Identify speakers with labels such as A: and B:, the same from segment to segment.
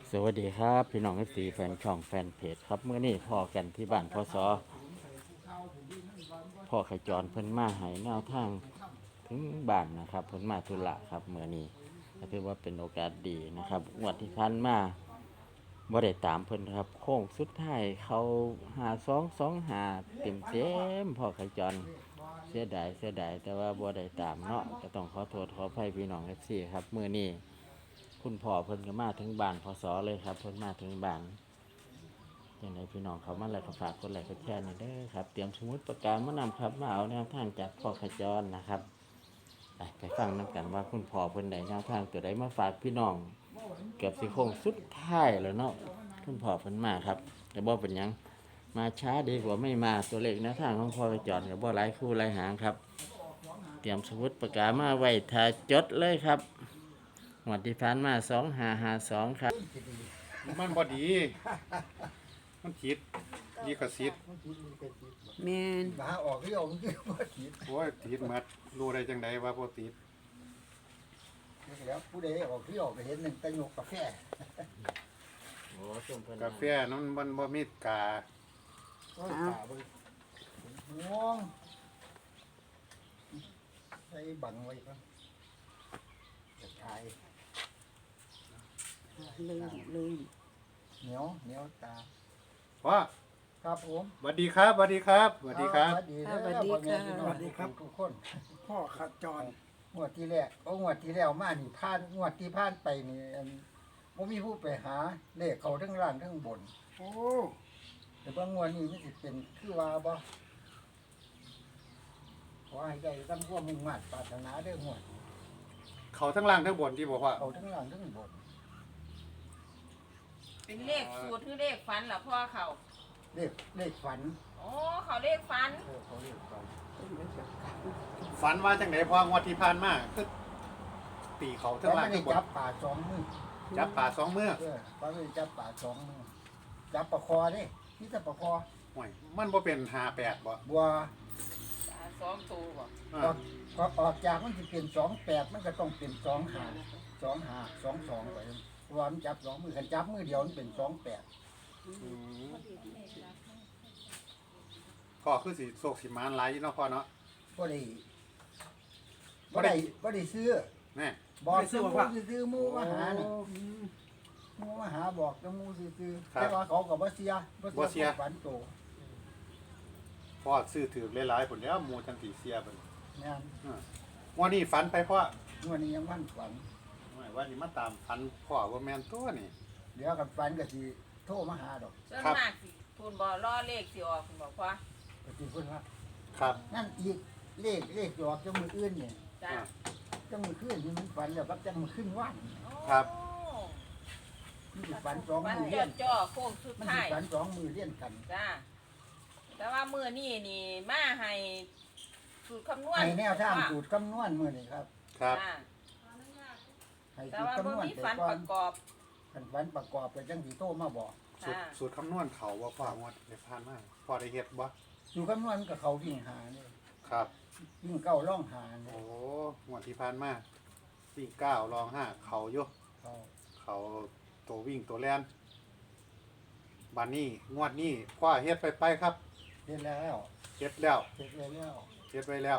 A: สวัสดีครับพี่น้องFCแฟนช่องแฟนเพจครับเมื่อนี้พ่อกันที่บ้านพ่อขจรเพิ่นมาให้แนวทางถึงบ้านนะครับเพิ่นมาธุระครับเมื่อนี้ก็ถือว่าเป็นโอกาสดีนะครับงวดที่ผ่านมาบ่ได้ตามเพิ่นครับโค้งสุดท้ายเขา5225เต็มพ่อขจรเสียดายแต่ว่าบ่ได้ตามเนาะก็ต้องขอโทษขออภัยพี่น้อง FC ครับเมื่อนี้คุณพ่อเพิ่นก็มาถึงบ้านพศเลยครับเพิ่นมาถึงบ้านยังไงพี่น้องเขามาแล้วก็ฝากกดไลค์กดแชร์หน่อยเด้อครับเตรียมสมุดปากกามานำครับมาเอาแนวทางจากพ่อขจรนะครับไปฟังน้ำกันว่าคุณพ่อเพิ่นได้แนวทางตัวใดมาฝากพี่น้องเกือบสิโค้งสุดท้ายแล้วเนาะคุณพ่อเพิ่นมาครับแต่บ่เป็นหยังมาช้าดีกว่าไม่มาตัวเลขแนวทางของพ่อขจรกับบ่หลายคู่หลายหางครับเตรียมสมุดปากกามาไว้ถ้าจดเลยครับงวดที่ผ่านมา2552ครับ
B: มันพอดี มันผิดดีกว่าสิทธิ์
C: แม่น
D: หาออกที่ออกที่ว่าผิด
B: โอ้ยติดหมัดรู้ได้จังไดว่าบ่ติด
D: แล้วผู้ใดออกที่ออกไปเห็นหนึ่งตะโยกกาแฟ
A: โอ้ส้มเพิ่น
B: กาแฟนั้นมันบ่มีกา
D: ก็ตาไปม่วงใส่บังไว้ก็จะทาย
C: ลืม
D: เหนียวตา
B: ว่า
D: ครับผม
B: สวัสดีครับสวัสดีครับสวัสดีครับ
D: สวัสดีครับทุกคน
E: พ่อขัดจร
D: งวดที่แรกงวดที่แล้วมานี่ผ่านงวดที่ผ่านไปนี่บ่มีผู้ไปหาเลขเขาทั้งล่างทั้งบน
E: โอ้
D: แต่บางงวดนี้มันสิเป็นคือว่าบ่ขอให้ได้ตั้งความมุ่งมั่นปรารถนาเด้องวด
B: เขาทั้งล่างทั้งบนที่บอกว่า
D: เขาทั้งล่างทั้งบน
F: เป็นเลขสูตรหรือเลขฟันเหรอพ่อเขา
D: เลขฝัน
F: โอ้เขาเลขฟัน
D: เขาเลขฝัน
B: ฝันว่าจังไดพองวดที่ผ่านมาคือตีเขาทั้
D: แต่
B: งล่า
D: ไม่
B: ง
D: ได้
B: ทั้งบน
D: จับป่าสองมือ
B: จับป่าสองมือ
D: ป้าไม่ได้จับป่าสองมือจับปลาคอเด้นี่แต่ปลาคอ
B: โอ้ยมันบ่เป็น58บ่
D: บัว
F: สองตัวบ่
B: อ่า
D: ออกจากมันจะเป็น28มันก็ต้องเป็น25 22ไปเพราะว่ามันจับสองมือคันจับมือเดียวมันเป็น28
B: อืมพ่อคือสิโศกสิมานหลายอยู่เนาะพ่อเนาะ
D: บ่ได้ซื้อ
B: แน่
D: บอกซื้อซื้อหมูมาหานี่หมูมาหาบอกจะหมูซื้อแต่ว่าเขาก็บ่เสียฝันโต
B: พ่อซื้อถือหลายๆผลแล้วหมู่จังสิเสียเพิ่น
D: แม่น
B: วันนี้ฝันไปพ่อ
D: วันนี้ยังวันฝัน
B: วันนี้มาตามฝันพ่อว่าแม่นตัวนี่
D: เดี๋ยวกันฝันก็สิโทรมาหาดอก
F: ส่วน
B: ครับ
F: มากสิทุนบ่ล่อเลขสิออกคุณบอกพ่อ
D: ก็สิเพิ่นว่า
B: ครับ
D: นั่นอีกเลขหยอกจังมืออื่นนี่
F: จ้า
D: จังมือขึ้นนี่มันฝันแล้วครับจังมือขึ้นว่าน
B: ครับ
D: มันสิฝันสอง
F: ฟัน
D: มือ
F: จ
D: เลี้
F: อย
D: น
F: ดจ่อโค้งสุด
D: มันสิ
F: ท้าย
D: ฝันสองมือเลี้ยนกัน
F: จ้าแต่ว่ามือนี่นี่มาให้สูตรคำนวณ
D: ให้แนวทางสูตรคำนวณมื้อนี้ครับ
B: ครับ
F: จ้า
D: ให้
F: แต่
D: สูตร
F: ว่า
D: คำนวณ
F: บ่มี
D: ไป
F: ฟัน
D: ก่อ
F: ป
D: น
F: ระกอบ
D: คันฝันประกอบไปจังสิโทรมาบอก
B: สูตร
F: จ้า
B: สูตรคำนวณเขาว่าพ่องวดได้ผ่านมาพ่อได้เฮ็ดบ่
D: สูตรคำนวณกับเขาวิ่งหานี่
B: ครับ
D: วิ่งเก้าร่องหานี่
B: โอ้งวดที่ผ่านมาวิ่ง9รอง5เขาอยู่
D: เขา
B: เขาตัววิ่งตัวแล่นบัดนี้งวดนี้พ่อเฮ็ดไปครับ
D: เฮ็ดแล้ว
B: เฮ็ดแล้ว
D: เฮ็ดแล้ว
B: เฮ็ดไว้แล้ว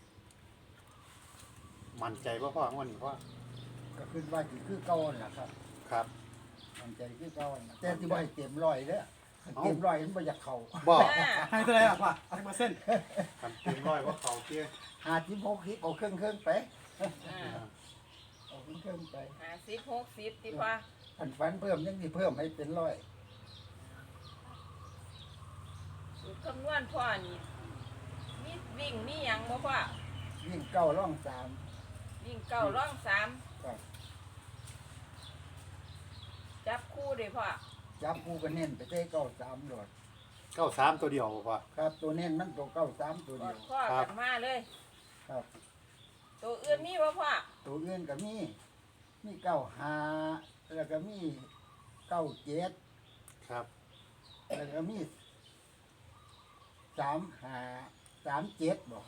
B: มั่นใจบ่พ่องวดนี้พ่อ
D: ก็ขึ้นว่าสิคือเก่านั่นล่ะครับ
B: ครับ
D: มันใจคือเก่านั่นล่ะแต่ที่บ่ให้เต็มร้อยเด้อคันเต็มร้อยมันบ่อยากเข้า
B: บ่
F: จ้า
E: ให้เท่าไหรอ่ะพ่อให้มาเส้น
B: คันเต็มร้อยว่าเขาเตี้ย
D: 56คลิปเอาเครื่องไป
F: อ่า
D: เอาเครื่องไป
F: 50 60ที่พ่อ
D: อันฝันเพิ่มยังสิเพิ่มให้เป็นร้อย
F: สูตรคำนวณพ่อนี่มีวิ่งมีหยังบ่พ่อ
D: วิ่งเก้าร่องสาม
F: วิ่งเก้าร่องสาม
D: ครับ
F: จับคู่เลยพ่อ
D: จับผู้ก็เน้นไปได้เก้าสามโดด
B: 93ตัวเดียวบ่พ่อ
D: ครับตัวเน้นมันตัวเก้าสามตัว
F: ก
D: เดี
F: อ
D: ยว
F: ดข้อ
B: ครับ
F: กันมาเลย
D: ครับ
F: ตัวอื่นมีบ่พ่อ
D: ตัวอื่นก็มีเก้าห้าแล้วก็มีเก้าเจ็ด
B: ครับ
D: แล้วก็มี35 37บอก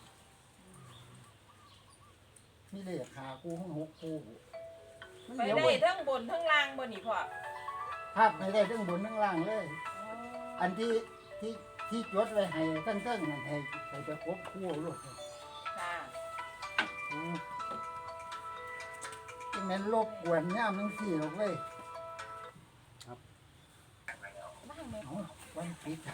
D: มีเลขหาคู่6คู่มัน
F: ไป
D: เดี๋ยว
F: ได้
D: เว้ย
F: ทั้งบนทั้งล่างบ่นี่พ่อ
D: ภาพให้ได้ทั้งบนทั้งล่างเลย อันที่จดไว้ให้ตั้งๆนั่นให้ไปครบคู่ลูก
F: ค่ะ
D: ที่แม่นรบกวนย่ามทั้งสี่หรอกเว้ย
F: บ้างไหม
D: เอาวันปิด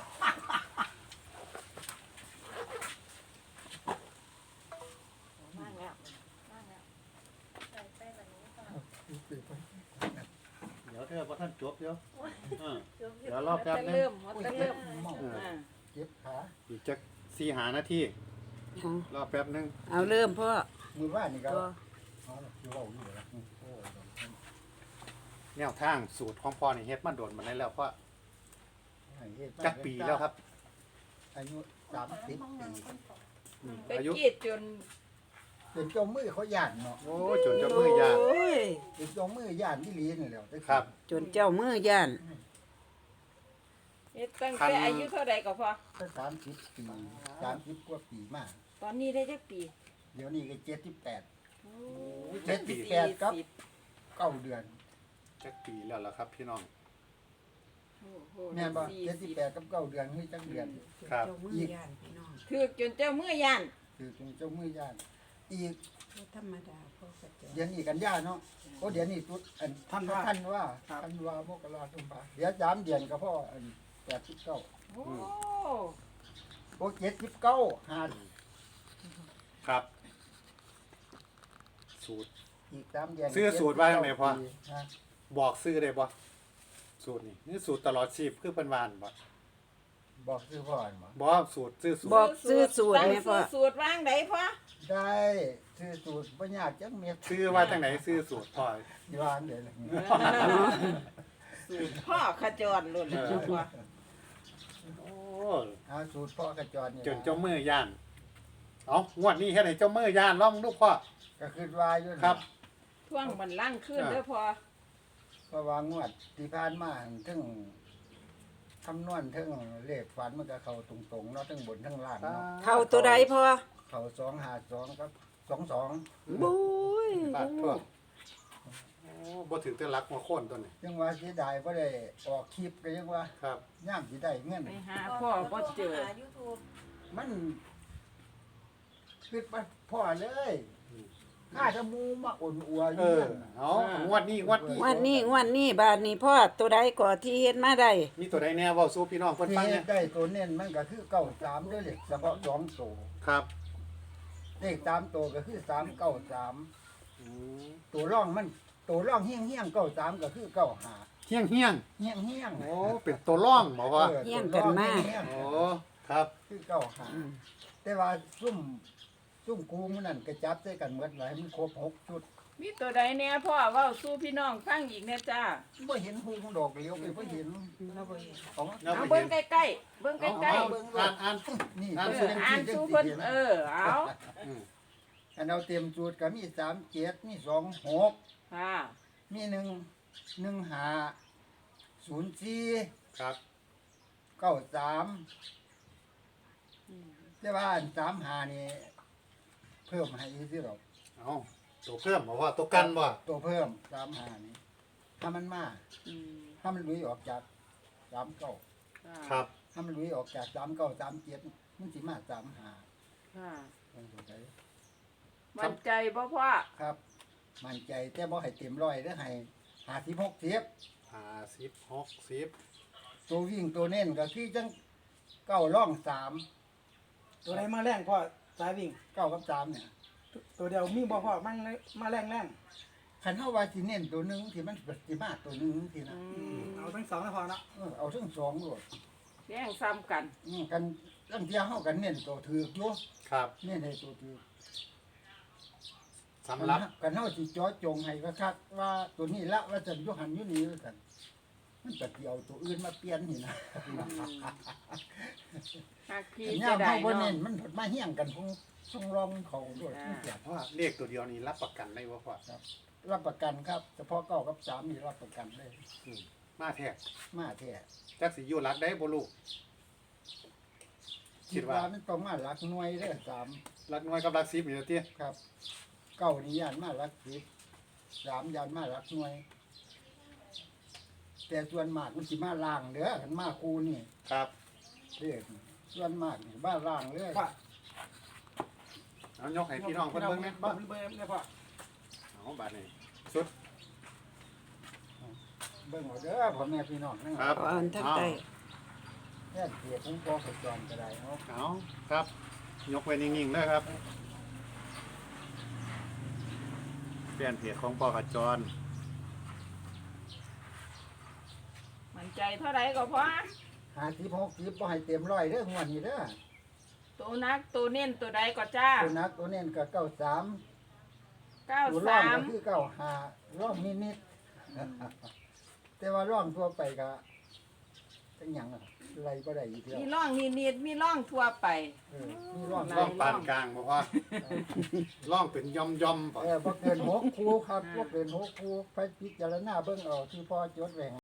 F: บ้างแล้วบ้างแล้วใส่แบบนี้ค่ะ
B: เดี๋ยวเธอพอท่านจบเดี๋ยวเดี๋ยวร
F: มั
B: อน แป๊บ
F: จะ
B: นึง
F: เริ่มมันจะเริ่มอ่า
D: เจ็บขา
B: อีกจัก4-5นาที
C: เอา
B: รอแป๊บนึง
C: เอาเริ่มพ่อ
D: มือว่านี่ก็
C: ตัว
D: เอาละคือเว่าอยู่แล้วโอ้ย
B: แนวทางสูตรของพ่อนี่เฮ็ดมาโดนมาได้แล้วเพราะ
D: ให้เฮ็ดมา
B: จักปีแล้วครับ
D: อายุ30ปี
F: ไป
B: อายุ
F: กรีดจน
D: เป็นเจ้ามือเขาย่านเนาะ
B: โอ้ยจนจะมือยาก
C: โอ้ย
D: เป็นเจ้ามือย่านที่ลีนี่แหล้ว
B: ครับ
C: จนเจ้ามือย่าน
F: เฮ็ดตั้งแต่อายุเท่าใดก็พอ
D: ก็30 ปี30กว่าปีมาก
F: ตอนนี้ได้จักปี
D: เดี๋ยวนี้ก็78
F: โอ้
D: 78ครับ9 เดือน
B: จักปีแล้วล่ะครับพี่น้อง
F: โอ้โห
D: แม่นบ่
F: 40
D: 78กับ9 เดือนคือจักเดือน
B: ครับ
C: เจ้ามือย่านพี่น้อง
F: คือจนเจ้ามือย่าน
D: คือเป็นเจ้ามือย่านอีก
C: บ่ธรรมดาพ่อก็จะ
D: เดือนนี้กันยาเนาะโอ้เดือนนี้ตุดอันท่านว่ามกราคมเดี๋ยว3 เดือนก็พออัน89
F: โอ้
D: โอ้79หา
B: ครับ สูตร
D: อีก3 เดือน
B: ซื้อสูตรไว้ทำไมพ่อ
D: ฮะ
B: บอกซื้อได้บ่สูตรนี่สูตรตลอดชีพคือเพิ่นวานบ่
D: บอกซื้อพ่อหั่นบ่
B: บ่สูตรซื้อสูต
C: บ
B: ร
C: อกซื้อสูตร
F: ตั้ง
C: แม่พ่อ
F: สูตรวางไดพ่อ
D: ได้ซื้อสูตรบ่ยากจังเม็ด
B: ซื้อว่าจังไหนซื้อสูตรพ่อ
D: วางเดี๋ยวนี้
F: สูตรพ่อขจรหล่นเลยพ่อ
B: โอ้
D: เอาสูตรพ่อกระจรนี่
B: จนเจ้ามือย่านเอางวดนี้เฮ็ดให้เจ้ามือย่านลองดูพ่อ
D: ก็คิดว่าอยู่นะครับ
F: ท่วงมันล่างขึ้นเด้อพ่อ
D: เพราะว่างวดที่ผ่านมาถึงคำนวณถึงเลขฝันมันก็เข้าตรงๆเนาะทั้งบนทั้งล่างเนาะ
C: เข้าตัวใดพ่อ
D: เข้า252ครับ22
C: บุ้ย
B: บาทพ่อโอ้บ่ถึงแต่รักมาโค่นตัวนี้
D: ยังว่าเสียดายบ่ได้ออกคลิปก็ยังว่า
B: ครับ
D: ย่ามสิได้เงิน
F: ไปหาพ่อบ่เจอ
D: มันคิดว่าพ่อเลยข้าจะมูมาอ่อนอัวอ
B: เอยู่ อ
D: นั่นน่ะ
B: เอางวดนี้งวดนี้
C: งวันนี้บาดนี้พ่อตัวใดก่อที่เฮ็ดมาได้
B: มีตัวใดแน่เว้าสู่พี่น้องเพิ่น
D: ที่
B: ฟังเนี่ย
D: ได้ตัวเน้นมันก็คือ93ด้วยเลขเฉพาะ2ตัว
B: ครับ
D: เลข3ตัวก็คือ393
B: อืม
D: ตัวร่องมันตัวร่องเฮี้ยงเฮี้ยง93ก็คือ95
B: เฮี้ยงเฮี้ยง
D: เฮี้ยงเฮี้ยง
B: โอ้เป็นตัวร่องบ่ว่า
C: เฮี้ยงกันมาก
D: เฮี้ยง
B: โอ้ครับ
D: คือ95แต่ว่าซุ่มกูมันนั่นก็จับใส่กันหมดหลายมันครบ6ชุด
F: มีตัวใดแน่พ่อเว้าสู่พี่น้องฟังอีกแน่จ้า
D: บ่เห็นหูดอกเลี้ยวไปบ่เห็นของ
B: แล้ว
F: เอา
B: ไป
F: เบิ่
B: เห็
F: ง
B: น
F: ใกล้ๆเบิ่งใกล้
B: อ่าน
D: นี่
B: อ่าน
F: ๆ
B: สู่
F: อ่านสู่เพิ่นเอา
B: อืม
D: อันเอาเต็มสูตรก็มี37มี26
F: ค่ะ
D: มี04
B: ครับ
D: 93แต่ว่าอัน35นี่เพิ่มให้อีกสิหรอก
B: เอาตัวเพิ่มบ่ว่าตัวกันบ่
D: ตัวเพิ่ม35นี่ถ้ามันมา
F: อืม
D: ถ้ามันลุยออกจาก39
F: ค่ะ
B: ครับ
D: ถ้ามันลุยออกจาก39 37มันสิมา35
F: ค่ะ
D: มันตัวใด
F: มั่นใจบ่พ่อ
D: ครับ มั่นใจแต่บ่ให้เต็มร้อยเด้อให้50 60
B: 50 60
D: ตัววิ่งตัวเน้นก็คือจัง9ร่อง3
E: ตัวไหนมาแรงพ่อสายวิ่ง
D: 9กับ3เนี่ย
E: ตัวเดียวมีบ่พ่อมันมาแรง
D: คันเฮาว่าสิเน้นตัวหนึงที่มันสิมาตัวหนึงสินะ
E: เอาทั้งสองนะพ่อเนาะ
D: เอาทั้งสองโลด
F: แย่งซ้ำกัน
D: กันตั้งเที่ยเฮากันเน้นตัวถือกอยู่
B: ครับ
D: เน้นให้ตัวถือก
B: สำหรับ
D: กันเฮาสิเจาะจงให้คักๆว่าตัวนี้ละว่าจะอยู่หันอยู่นี่ว่าซั่นมันก็สิเอาตัวอื่นมาเปลี่ยนนี่นะ
F: หากพี่
D: ย่า
F: จะ
D: ม
F: ได้
D: เฮาบ่
F: เนาะ
D: เน้นมันผดมาเฮี้ยงกันคงทรงรองเขาด้วย
F: อ่า
D: มันเจ็บ
B: ว่าเลขตัวเดียวนี้รับประกันได้บ่พ่อ
D: รับประกันครับเฉพาะ9กับ3นี่รับประกันเลย
B: อืมมาแท้
D: มาแท้
B: จักสิอยู่รักได้บ่ลูก คิ
D: คิ
B: ด
D: ด
B: ว่า
D: ว่ามันต้องมาหลักหน่วยเด้อ3
B: รักน้อยกับรัก10นี่ล่ะติ
D: ครับ9นี่ย่านมาหลัก10 3ย่านมาหลักหน่วยแต่ส่วนมากมันสิมาล่างเด้อคันมาคู่นี่
B: ครับ
D: เด้อส่วนมากนี่บ้านล่างเลย
E: พ่อ
B: เอายกให้พี่น้องเพิ่นเบิ่งแหน่
E: เบิ่งเบิ่งเนี่ยพ่อ
B: เอาบาดนี้สุด
D: เบิ่งเอาเด้อพ่อแม่พี่น้องนั่น
B: ครับ
C: ขออันทั้งใต้
D: แค่เกียรติผมพอขจรก็ได้เนาะ
B: เอาครับ ยกไว้นิ่งๆเด้อครับแฟนเพจของพ่อขจร
F: มั่นใจเท่าไหร่ก็พอ
D: 50 60บ่ให้เต็มร้อยเด้องวดนี้เด้อ
F: ตัวนักตัวเน้นตัวใดก็จ้า
D: ตัวนักตัวเน้นก็93ตัวร่องก็
F: 93
D: คือ95ร่องนิดๆแต่ว่าร่องทั่วไปก็จังหยังอะไรบ่ได้อีกเด้อ
F: มีร่องนิดๆมีร่องทั่วไป
D: มีร่อง
B: ล่องปานกลางบ่พ่อล่องเป็นย่อมๆบ่
D: บ่เกิน6คู่ครับบ่เกิน6คู่ไปพิจารณาเบิ่งเอาที่พ่อจดไว้